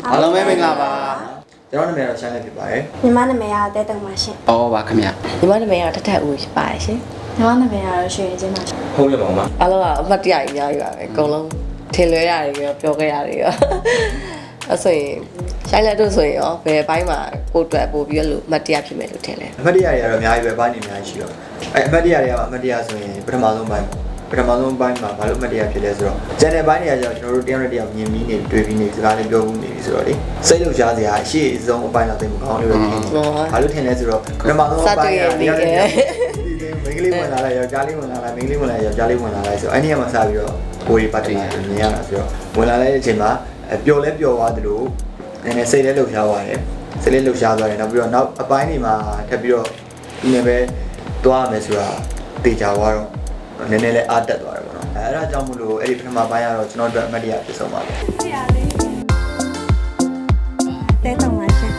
အားလုံးပဲမင်္ဂလာပါကျွန်တော်နာမည်တော့ရှမ်းလေးဖြစ်ပါတယ်ညီမနာမည်ကတဲတုံပါရှင်အော်ပါခင်ဗျာညီမနာမည်ကထထဦးဖြစ်ပါတယ်ရှင်ညီမနာမည်ကတော့ရွှေရင်ချင်းပါရှင်ဟုတ်ရပါမှာအားလုံးကအမှတ်တရကြီးများပြီပါပဲအကုန်လုံးထင်လွဲရတယ်ပြီးတော့ပြောခဲ့ရတယ်ရောအဲ့ဆိုရင်ရှိုင်းလက်တို့ဆိုရင်ရောဘယ်ဘိုင်းမှာကိုတွေ့ပို့ပြီးလို့အမှတ်တရဖြစ်မယ်လို့ထင်လဲအမှတ်တရတွေကတော့အများကြီးပဲပိုင်းနေအများကြီးရှိတော့အဲ့အမှတ်တရတွေကအမှတ်တရဆိုရင်ပထမဆုံးပိုင်းမှာဘာလို့အမှတ်တရဖြစ်လဲဆိုတော့ channel ပိုင်းတွေကကျွန်တော်တို့တရားနဲ့တရားမြင်ပြီးနေတွေ့ပြီးနေစကားလေးပြောမှုနေပြီဆိုတော့လေစိတ်လှုပ်ရှားစရာအရှိအဆုံးအပိုင်းတော့သိမကောင်းလို့ပဲဖြစ်နေဘာလို့ထင်လဲဆိုတော့ပထမဆုံးအပိုင်းကမိန်းကလေးဝင်လာလိုက်ယောက်ျားလေးဝင်လာလိုက်မိန်းကလေးဝင်လာယောက်ျားလေးဝင်လာလိုက်ဆိုအဲ့ဒီမှာစပြီးတော့ကိုရီပတ်တယ်မြင်ရတာဆိုတော့ဝင်လာလိုက်တဲ့အချိန်မှာပျော်လဲပျော်သွားသလိုနည်းနည်းစိတ်လဲလှုပ်ရှားသွားတယ်စိတ်လဲလှုပ်ရှားသွားတယ်နောက်ပြီးတော့နောက်အပိုင်းတွေမှာထပ်ပြီးတော့ဒီနေ့ပဲသွားရမယ်ဆိုတာတေချာသွားတော့နည်းနည်းလေးအားတက်သွားတယ်ပေါ့နော်အဲ့ဒါကြောင့်မို့လို့အဲ့ဒီပထမပိုင်းကတော့ကျွန်တော်တို့အမှတ်တရဖြစ်ဆုံးပါပဲတဲတုံပါရှင်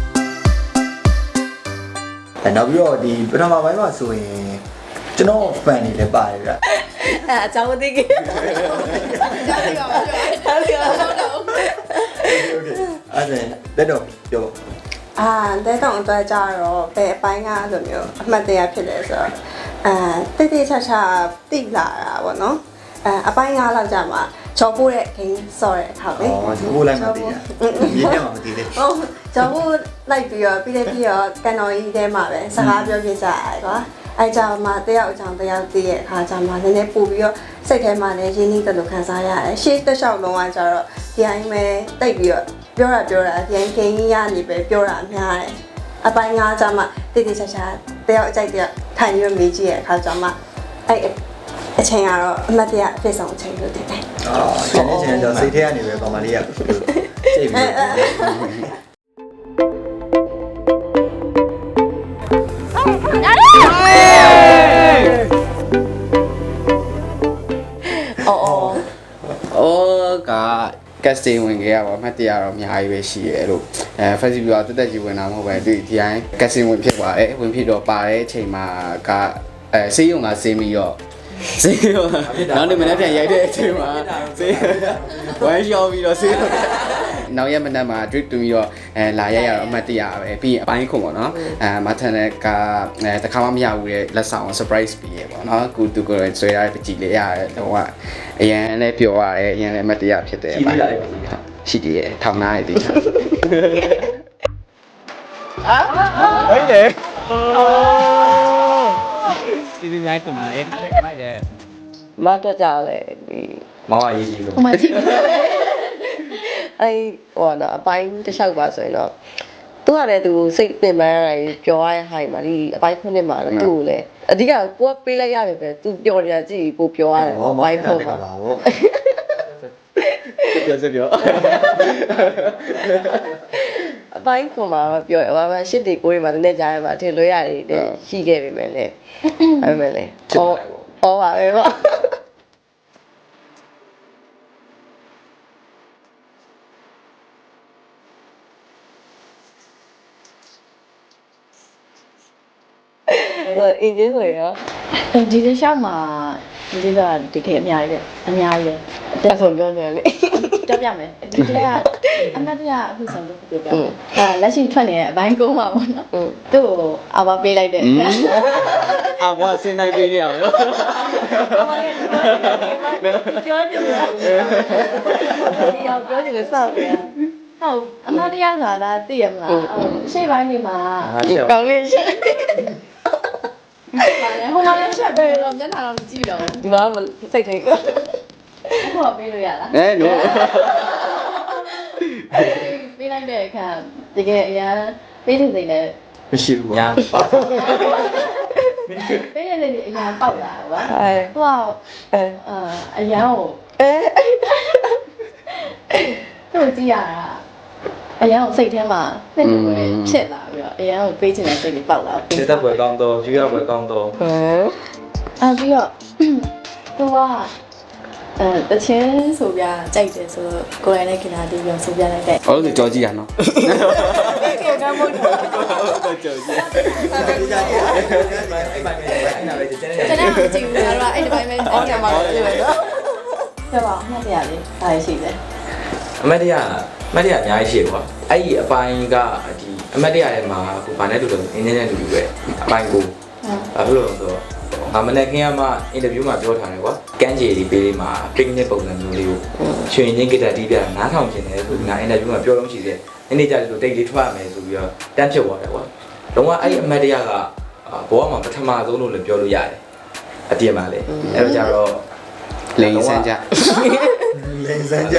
နောက်ပြီးတော့ဒီပထမပိုင်းမှာဆိုရင်ကျွန်တော် fan တွေလည်းပါတယ်ဗျအဲ့အကြောင်းမသိခင်ကြားရပါပါကြားရပါတော့ Okay အဲ့ဒါလက်တော့ပြောတဲတုံအတွက်ကြတော့ဘယ်အပိုင်းကဆိုမျိုးအမှတ်တရဖြစ်လဲဆိုတော့တိတိချာချာတိလာတာပေါ့နော်အပိုင်း9လောက်ကြာမှာချော်ပိုးတဲ့ဂိမ်းဆော့တဲ့အခါပဲချော်ပိုးလိုက်မှတည်တာမြင်ရမှာမတည်သေးဟုတ်ချော်ပိုးလိုက်ပြီးတော့ပြီးတော့ကန်တော်ကြီးထဲမှာပဲစကားပြောပြကြရတယ်ကွာအဲ့ကြောင့်မှတယောက်အကြောင်းတယောက်တည့်ရဲ့အခါကျမှနည်းနည်းပို့ပြီးတော့စိတ်ထဲမှာလည်းရင်းနှီးတယ်လို့ခံစားရတယ်ရှေ့တစ်လျှောက်လုံးကကျတော့ဒီအိမ်ပဲတိတ်ပြီးတော့ပြောတာဒီအိမ်ဂိမ်းကြီးရနေပဲပြောတာများတယ်အပိုင်း9ကျမှတိတိကျကျတယောက်အကြိုက်တယောက်ထိုင်ပြီးမေးကြည့်ရဲ့အခါကျမှအဲ့အချိန်ကတော့အမှတ်တရအဖြစ်ဆုံးအချိန်လို့တင်တယ်။ကျန်တဲ့ချိန်ကျတော့စိတ်ထဲကနေပဲပါမလေးရစိတ်ပြီးအော်ကcasting ဝင်ခဲ့ရပါအမှတ်တရတော့အများကြီးပဲရှိရဲလို့festival ကတက်ကြီးဝင်တာမဟုတ်ပဲဒီတိုင်း casting ဝင်ဖြစ်သွားတယ်ဝင်ဖြစ်တော့ပါတဲ့အချိန်မှာကစေးရုံကစင်းပြီးတော့စေးရုံနောက်နေ့မနေ့ပြန်ရိုက်တဲ့အချိန်မှာစေးဝမ်းလျှော်ပြီးတော့စေးနောက်ရက်မနက်မှာ drip တူပြီးတော့လာရိုက်ရတော့အမှတ်တရပဲပြီးရင်အပိုင်းခုပေါ့နော်မထန်တဲ့ကတခါမှမရဘူးတဲ့လက်ဆောင် surprise ပြီးရပေါ့နော်ကိုသူကိုယ်ဆွဲရတဲ့ပကြည်လေးရတယ်တော့အရန်လည်းပျော်ရတယ်အရန်လည်းအမှတ်တရဖြစ်တယ်အပိုင်းရှိတယ်ထောင်နာရည်ဒီဟဲ့လေဒီနေ့တုံးလေးမိုက်တယ်မတော့ကြလေဒီမောင်အရေးကြီးလို့ဟိုမှာကြည့်အဲ့ဟောတော့အပိုင်းတစ်လျှောက်ပါဆိုရင်တော့သူကလည်းသူစိတ်ပင်ပန်းရတယ်ပြောရဟိုင်မှာဒီအပိုင်းခုနှစ်မှာတော့သူ့ကိုလည်းအဓိကကိုကပေးလိုက်ရတယ်ပဲသူပြောနေတာကြည့်ကိုပြောရတယ်အပိုင်းခုမှာပြောအပိုင်းခုမှာပြောရပါရှစ်တီကိုတွေမှာတနေ့ကြားရမှာထင်လို့ရတယ်ရှိခဲ့ပြီမယ်လေအဲ့မဲ့လေဩပါပဲပေါ့အင်းကြီးဆိုရဒီတစ်လျှောက်မှာဒီကဒီခေတ်အများကြီးပဲအများကြီးပဲတက်ဆုံးပြောနေလေတက်ပြမယ်ဒီကကအမတ်တရအခုဆုံးလို့ပြောပြမယ်ဒါလက်ရှိထွက်နေတဲ့အပိုင်းကုန်းပါပေါ့နော်သူ့ကိုအာမပေးလိုက်တယ်အာမဆင်းနိုင်ပေးနေအောင်ပြောကြည့်ဒီအောင်ပြောကြည့်လို့စောက်ပြန်ဟုတ်အမတ်တရဆိုတာသိရမလားရှေ့ပိုင်းနေမှာကောင်းလေးရှိဟိုမှာလည်းချက်ပဲတော့မျက်နှာတော့မကြည့်တော့ဒီမှာစိတ်ထိတ်အခုတော့ပေးလို့ရလားနော်ပေးလိုက်တဲ့အခါတကယ်အရင်ပေးတဲ့စိတ်နဲ့မရှိဘူးညာပါပေးတဲ့စိတ်အရင်ပေါက်လာကွာဟိုအရင်ကိုသူ့ကြည့်ရတာအရင်ကစိတ်ထဲမှာနှစ်နေပဲဖြစ်လာပြီးတော့အရင်ကပေးချင်တဲ့စိတ်တွေပေါက်လာတယ်တက်ပွဲကောင်းတော့ယူရပွဲကောင်းတော့ပြီးတော့သူကတချင်းဆိုပြကြိုက်တယ်ဆိုတော့ကိုယ်တိုင်လည်းခင်ဗျာဒီပြောဆိုပြလိုက်တဲ့ဟုတ်တယ်ကြော်ကြည့်ရနော်ကေကမို့တော့ကြော်ကြည့်အဲ့ပါမယ်အဲ့နာပဲကျန်တဲ့ကျန်တဲ့ကြည့်ဘူးငါတို့ကအဲ့ဒီပိုင်းပဲအော်ကမှာလို့ပြောတော့ပြပါမှတ်ရလေအားရှိတယ်အမတ်တရမတ်တရားအများကြီးရှိရကွာအဲ့ဒီအပိုင်းကဒီအမတ်တရားထဲမှာကိုဘာနဲ့တူလို့အင်းနဲ့တူတူပဲအပိုင်းကိုဘာလို့လဲဆိုတော့မနေ့ကမှအင်တာဗျူးမှာပြောထားတယ်ကွာကန်းကြေဒီပေးလေးမှာ picnic ပုံစံမျိုးလေးကိုရွှေရင်းဂီတာတီးပြနားထောင်ခြင်းတယ်ဆိုပြီးငါအင်တာဗျူးမှာပြောလို့ရှိတယ်နေ့နေ့ကျလို့တိတ်လေးထွက်ရမယ်ဆိုပြီးတော့တန်းဖြစ်သွားတယ်ကွာလုံးဝအဲ့ဒီအမတ်တရားကဘောမှာပထမဆုံးလို့လည်းပြောလို့ရတယ်အပြင်မှာလေအဲ့တော့ကျတော့လိန်စမ်းကြလိန်စမ်းကြ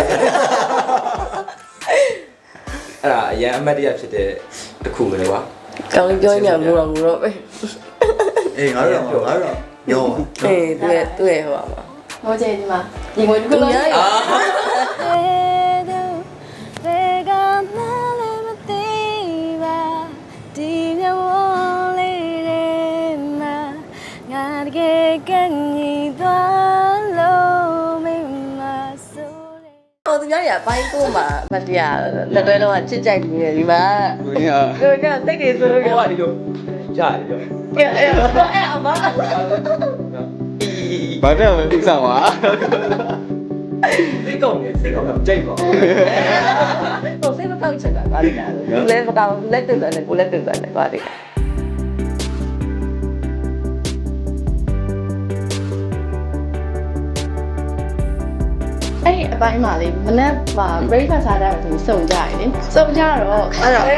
အဲ့ဒါအရန်အမတ်တရားဖြစ်တဲ့တစ်ခုပဲကွာကောင်းလေးပြောညာမို့တော့ပဲအေးငါတို့ညောအေးသူရဲ့ဟိုပါဟိုကျဒီမှာဒီငွေတစ်ခုလုံးဟိုသူများရအပိုင်းကိုမှမတရားလက်တွဲတော့ချစ်ကြိုက်နေတယ်ဒီမှာကိုရတို့ကတိတ်နေဆိုလို့ဟိုကဒီလိုကြားတယ်ပြောအဲ့အမဘာတဲ့ဥစားပါစိတ်ကောင်းနေစိတ်ကောင်းကြိုက်ပါဟိုစိတ်မကောက်ချင်တာပါလိမ့်မယ်လက်မကောက်လက်တူတယ်ကိုလက်တူတယ်ပါလိမ့်အဲ့ဒီအပိုင်းမှာလေမနေ့က breakfast စားတယ်ဆိုစုံကြရတယ်လေစုံကြတော့အဲ့တော့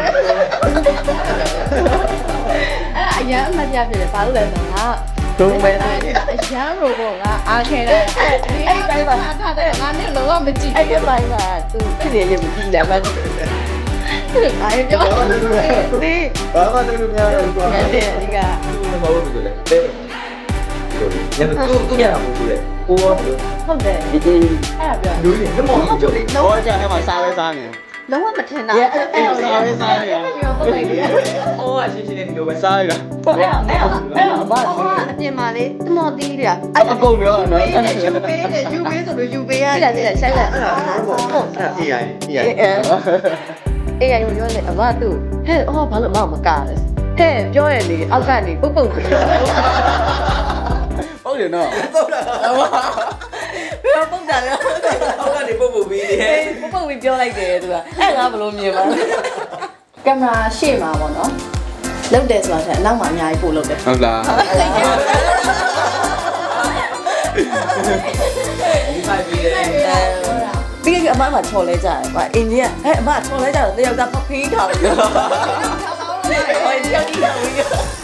အဲ့အရန်အမှတ်ရဖြစ်တယ်ဘာလို့လဲဆိုတော့ဒုံပဲအရန်ရိုဘောကအားခဲတယ်အဲ့ဒီတိုင်းမှာထားတယ်ငါနဲ့လုံးဝမကြည့်အဲ့ဒီပိုင်းမှာသူဖြစ်နေရမကြည့်တယ်မဟုတ်ဘူးအားပြောဒီဘာမှတူလို့မရဘူးကွာတဲ့ဒီကမဟုတ်ဘူးလေတဲ့ညနေသူညမဟုတ်ဘူးလေကိုရောဟုတ်တယ်အဲ့ဒါပြောလူကြီးလက်မောင်းကြောက်ဘောကြအဲ့မှာစားပဲစားနေလုံးဝမထင်တာအဲ့စားပဲစားနေဟုတ်တယ်ဟိုကရှင်းရှင်းလေးဒီလိုပဲစားရတာအမအပြင်မှာလေတမော်တီးတယ်အကုန်ပြောနော်ယူပေးတယ်ယူပေးဆိုလို့ယူပေးရတယ်တဲ့ဆိုင်လက်အဲ့ဒါအေးရိုင်းအေးရိုင်းအေးရပြောလေအမသူ့ဟဲ့အော်ဘာလို့မကားလဲဟဲ့ပြောရလေအောက်ကနေပုတ်ပုတ်ပြီးဟုတ်တယ်နော်ဘယ်ပုတ်တာလဲဟောက်ကနေပုတ်ပုတ်ပြီးနေပုတ်ပုတ်ပြီးပြောလိုက်တယ်သူကအဲ့ငါဘလို့မြင်ပါကင်မရာရှေ့မှာပေါ့နော်လုတ်တယ်ဆိုတာတဲ့အနောက်မှာအများကြီးပို့လုတ်တယ်ဟုတ်လားဒီဖိုင်ပြီးတယ်ပြီးရင်အမချော်လဲကြတယ်ကွာအင်ဂျင်ကဟဲ့အမချော်လဲကြတယ်တယောက်ကဖဖေးထားတယ်ဟိုတယောက်ကြီးက